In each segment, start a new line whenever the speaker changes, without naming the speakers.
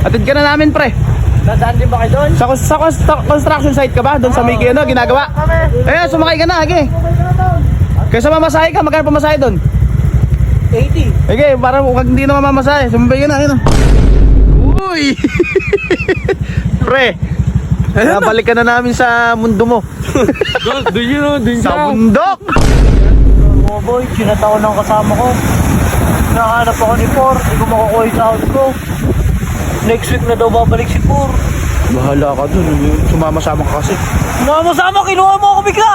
Atid ka na namin, pre.
Dadaan din ba kayo doon?
Sa construction site ka ba? Doon sa may ano, ginagawa? Eh, sumakay ka na, age. Kaysa mamasahe ka, magkano pamasahe doon?
80.
Age, para kung hindi na mamamasahe, sumabay ka na, ayun. Uy! Pre, nabalik ka na namin sa mundo mo.
Doon yun o, doon
Sa bundok!
Oh boy, sinataon ng kasama ko. Nakahanap ako ni Por, hindi ko makukuha yung sahod ko. Next week na daw babalik si Por.
Bahala ka dun, sumama-sama ka kasi.
Sama-sama, kinuha mo ako bigla!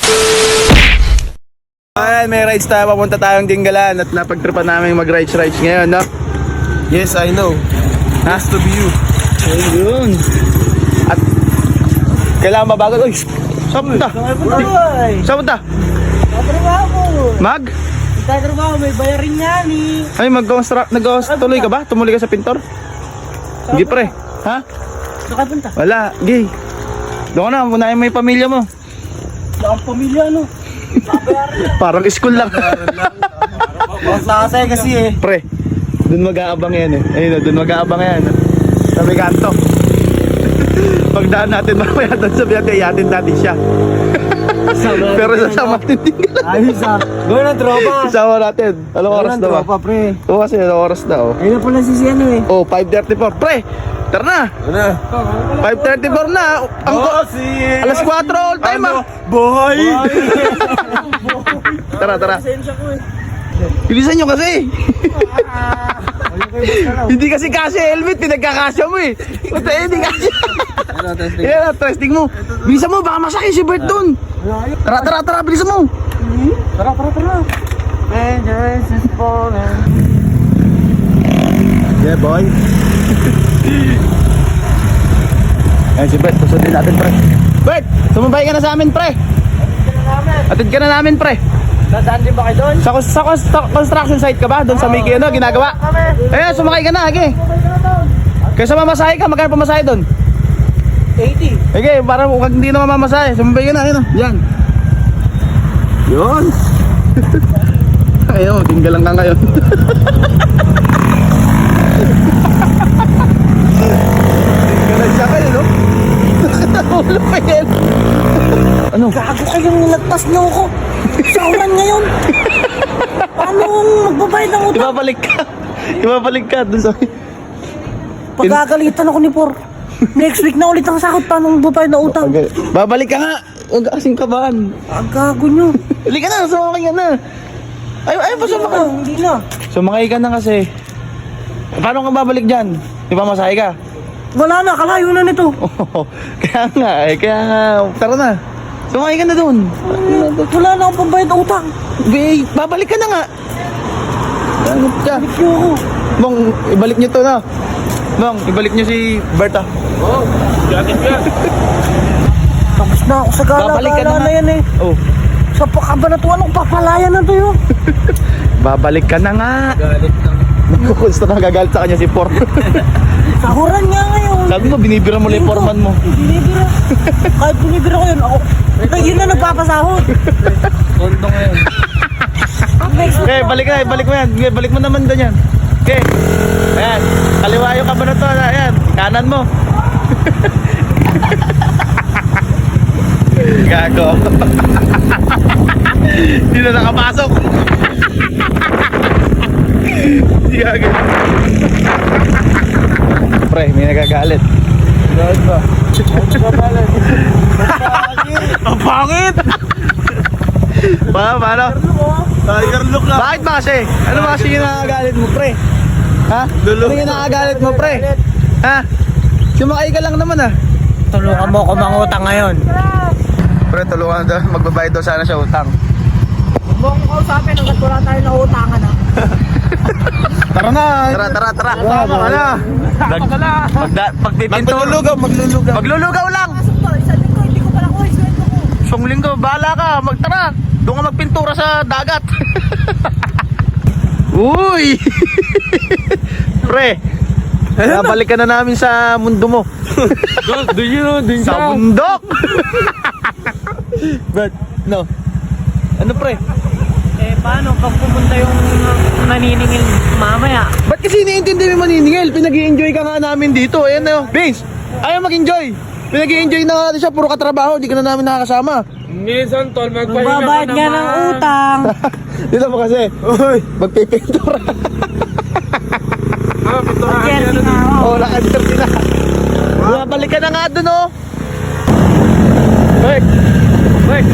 Ayan, may rides tayo, papunta tayong Dinggalan at napagtripan namin mag-rides ngayon, no?
Yes, I know.
Has
to be you.
Ayun. At kailangan mabagal. Uy, saan punta?
Ay,
Saan punta?
tatrabaho.
Mag?
Tatrabaho, may bayarin yan eh.
Ay, tuloy ka ba? Tumuloy ka sa pintor? Hindi pre. Ha?
Saan ka punta?
Wala, gay. Doon ka na, unahin mo yung pamilya mo.
Ang pamilya, ano?
Parang school lang.
Nakasaya kasi eh.
Pre, doon mag-aabang yan eh. Ayun, doon mag-aabang yan. Sabi kanto. Pagdaan natin mamaya doon, sabi natin, iyatin natin siya. Pero sasama natin Dinggalan.
Ayos ah. Gawin ng tropa.
Isama natin. Anong oras na ba?
Tropa, pre.
Oo kasi, anong oras na oh.
Ayun na pala si ano eh.
Oh, 5:34. Pre, tara na.
Ano?
5:34 na. Ang alas 4 all time ah.
Boy!
Tara, tara.
Pasensya ko eh.
Bilisan nyo kasi. Hindi kasi helmet, pinagkakasya mo eh. Puta, hindi kasi. Yan, testing mo. Bilisan mo, baka masakit si Bert dun. Tara, bilisan mo.
Tara. Dangerous is falling.
Yeah, boy. Ayan si Bert, susundin natin, pre. Bert, sumabay ka na sa amin, pre. Atid ka na namin, pre.
Dadaan din ba kayo doon?
Sa construction site ka ba? Doon sa may ano, ginagawa? Eh, sumakay ka na, age. Kaysa mamasahe ka, magkano pamasahe doon?
80.
Age, para kung hindi na mamamasahe, sumabay ka na, ayun. Yan. Yun. Ayun, Dinggalan ka ngayon. Dinggalan siya kayo, no? Nakataulo pa yan. Ano?
Gago kayong nilagpas niyo ako. Sa ulan ngayon. Paano magbabayad ng utang?
Ibabalik ka dun sa...
Pagkagalitan ako ni Por. Next week na ulit ang sakot. Paano magbabayad ng utang?
Okay. Babalik ka nga. Huwag kasing kabahan.
Ang gago nyo.
Halika na, sumakay ka na. Ay, pa sumakay.
Hindi na.
Sumakay ka na kasi. Paano ka babalik dyan? Di ba masahe ka?
Wala na, kalayo na nito.
Kaya nga, tara na. Sumakay ka na dun.
Wala na akong pambayad ng utang.
Babalik ka na nga. Ano ka?
Balik nyo ako.
Bong, ibalik nyo to na. Bong, ibalik nyo si Berta.
Oh, jacket ka.
Tapos na ako sa
Babalik ka na
gala-gala
nga.
na yan eh.
Oh,
Sa pakabanatuan ng papalayan na to yun.
babalik ka na nga.
Galit ng...
Gusto na gagalit sa kanya si Por.
Sahuran nga ngayon.
Sabi mo, binibira mo lang yung foreman mo.
Binibira. Kahit binibira ko yun, ako. Yun na nagpapasahod.
Kondo ngayon.
Next week
Okay, balik na, balik mo yan. Okay, balik mo naman doon yan. Okay. Ayan, kaliwa yung kabanatuan na. Ayan, kanan mo. Gago. Hindi na nakapasok. Hindi gago. Pre, may nagagalit.
Galit ba?
Ang pangit! Paano?
Tiger look lang.
Bakit ba kasi? Ano ba kasi yung nakagalit mo, pre? Ha? Ano yung nakagalit mo, pre? Ha? Sumakay ka lang naman, ah.
tulungan mo ako mangutang ngayon.
Pre, tulungan daw. Magbabayad daw sana siya utang.
Huwag mo akong kausapin hanggat wala tayo na utangan ha.
Tara na! Tara! Tama ka na! Pagpipinto. Maglulugaw lang!
Sabi ko, hindi ko pala ko, iswento ko.
Isang linggo, bahala ka! Tara! Doon ka magpintura sa dagat! Uy! Pre! Nabalik ka na namin sa mundo mo.
Doon yun o, doon
Sa bundok! But, no. Ano pre?
Eh, paano pag pumunta yung naniningil mamaya?
Ba't kasi iniintindi mo maniningil? Pinag-i-enjoy ka nga namin dito. Ayan na, Vince. Ayaw mag-enjoy. Pinag-i-enjoy na natin siya. Puro katrabaho. Di ka na namin nakakasama.
Minsan, tol, magpahinga ka
Magbabayad nga ng utang.
Dito mo kasi. Uy, magpipintura.
Jersey nga ako.
Oo, naka-jersey na. Bumabalik ka na nga dun, oh. Bert. Bert.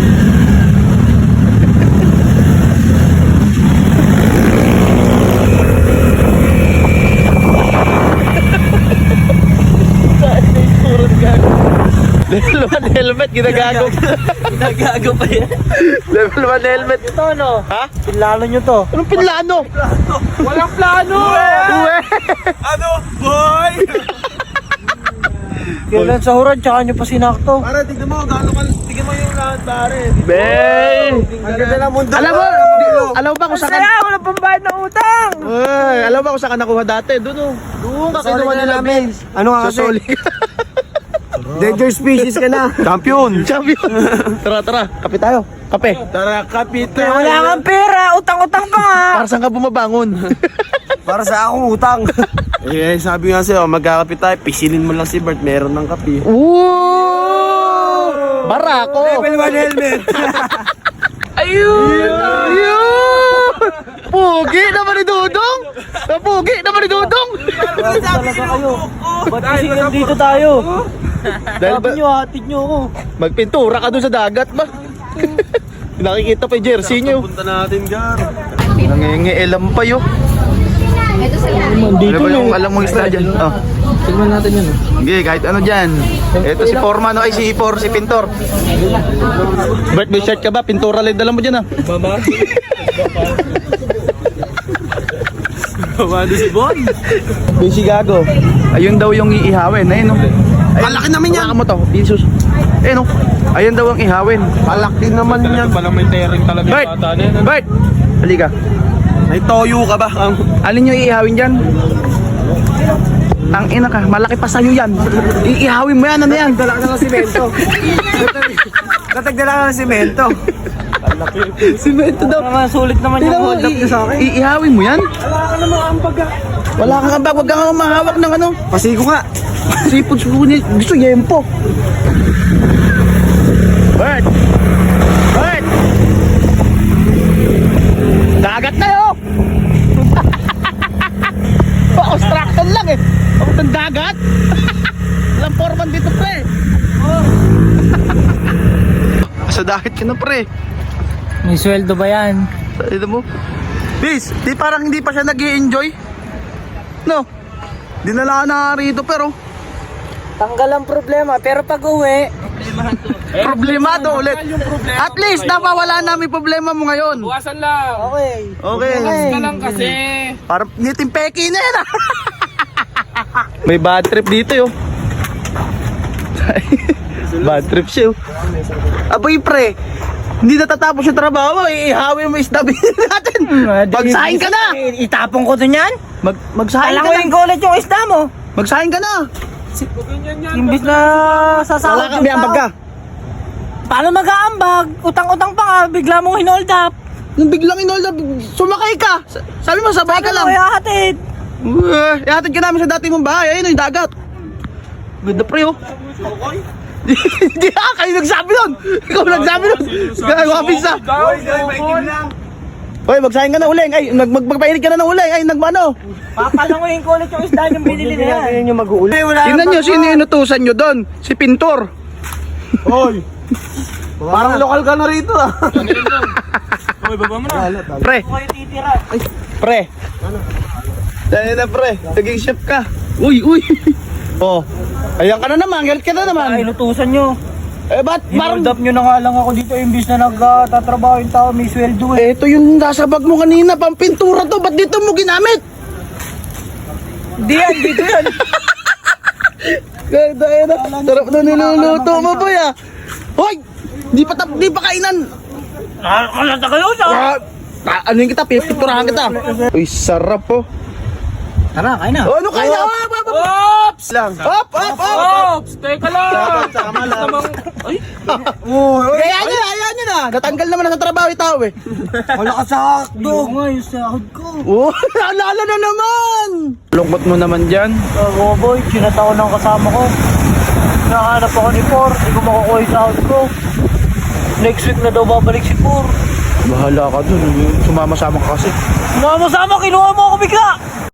Level 1 helmet, ginagago.
Nagago pa yan.
Level 1 helmet.
Ito ano?
Ha?
Pinlalo nyo to.
Anong pinlano?
Walang plano!
Uwe!
Ano? Boy!
Kailan sa huran, tsaka nyo pa sinakto.
Para, tignan mo, tignan mo yung lahat, pare.
Bey!
Ang ganda ng mundo.
Alam mo ba kung saan ka...
Saya, wala pambayad ng utang.
Ay, alam mo ba kung saan ka nakuha dati? Doon, oh. Doon ka kinuha nila, Vince.
Ano nga
Sa Soli.
Danger species ka na.
Champion! Champion! Tara, tara. Kape tayo. Kape.
Tara, kapita.
Wala kang pera, utang-utang pa nga.
Para saan ka bumabangon?
Para sa akong utang.
Eh, sabi nga sa'yo, magkakapit tayo, pisilin mo lang si Bert, meron ng kape.
Ooh! Barako!
Level 1 helmet.
Ayun! Ayun! Pugi naman ni Dudong! Pugi naman ni Dudong!
Talaga kayo. Ba't kasi nandito tayo?
Dahil ba,
Sabi nyo, hatid nyo ako.
magpintura ka doon sa dagat ba? Nakikita pa yung jersey nyo.
Punta natin, Gar.
Nangingielam pa yun. Ano ba yung alam mong isla dyan? Oh.
Tignan natin yun.
Sige, kahit ano dyan. Ito si Foreman, ay si Ipor, si Pintor. Bert, may shirt ka ba? Pintura lang dala mo dyan, ah.
Mama. Mama, si Bon.
Busy gago. Ayun daw yung iihawin. Ayun, no?
Malaki naman yan.
Baka mo to. Jesus. Ayun, no? Ayun daw ang ihawin.
Malaki naman yan. Palang may tearing talaga
Bert!
yung bata na yan.
Bert! Halika.
May toyo ka ba?
Alin yung iihawin dyan? Tang ina ka, malaki pa sa'yo yan. Iihawin mo yan, ano yan?
Dala ka ng simento. Natagdala ka ng simento.
Simento daw.
Naman, sulit naman yung hold up nyo sa akin.
Iihawin mo yan?
Wala ka naman ang pagka.
Wala kang ambag, wag kang mahawak ng ano.
Pasigo nga.
Sipod sulit, gusto yempo. Bert! Bert! Dagat na yun! Pa-construction lang eh. Ang dagat. Walang foreman dito pre. Sa dagat ka na pre.
May sweldo ba yan?
Ito mo. Bis, di parang hindi pa siya nag-i-enjoy. No. Dinala ka na rito pero
Tanggal ang problema, pero pag uwi,
problemado ulit. At least napawala namin problema mo ngayon.
Buwasan lang.
okay.
Okay.
Ka lang kasi.
Parang ngiting peki na yan ah. May bad trip dito yo. Bad trip siya yo. Aboy pre, hindi natatapos yung trabaho, ihawin mo isda natin. Magsahin ka na!
Itapon ko dun yan?
Magsahin ka na!
Alangoyin ko ulit yung isda mo.
Magsahin ka na!
Imbis na sasahod
Wala ka, may ambag ka.
Paano mag-aambag? Utang-utang pa nga, bigla mong hinold up.
Nung biglang inol na, sumakay ka! Sabi mo, sabay ka lang!
Paano mo ihahatid?
Ihatid ka namin sa dati mong bahay, ayun yung dagat. Ganda pre oh. Hindi kayo nagsabi nun! Ikaw nagsabi nun! Gagawa pizza! Hoy, magsahin ka na uling! Ay, magpainit ka na ng uling! Ay, nagmano!
Papalangoyin ko ulit yung isda yung binili na yan. Yan yung mag-uuli.
Tingnan nyo, sino yung inutusan nyo doon? Si Pintor!
Hoy. Parang lokal ka na rito ah. Hoy, baba mo na.
Pre!
Kayo titira.
Pre! Dahil na pre, naging chef ka! Uy, uy! Oh, ayan ka na naman, galit ka na
Ay,
naman!
inutusan nyo.
Eh, ba't parang...
Hinold up nyo na nga lang ako dito imbis na nagtatrabaho yung tao, may sweldo eh.
Eh, ito yung nasa bag mo kanina, pampintura to, ba't dito mo ginamit?
Di yan, dito yan.
Ganda, sarap na niluluto mo boy ah! Hoy! Di pa kainan!
Nakakalata kayo sa...
Ano yung kita, pipinturahan kita! Uy, sarap po!
Tara, kain na.
Oh, ano kain na?
Ops!
Lang! Hop, hop, hop!
Ops! Teka lang!
Tama lang.
Ay!
Hayaan nyo na! na. Natanggal naman na sa trabaho yung tao eh.
Wala ka sa
Oo nga, yung sahod ko.
Oh, alala na naman. Lungkot mo naman dyan.
Oo boy, sinataon ng kasama ko. Nakahanap ako ni Por, hindi ko makukuha yung sahod ko. Next week na daw babalik si Por.
Bahala ka dun. Sumama-sama ka kasi.
Sama-sama, kinuha mo ako bigla!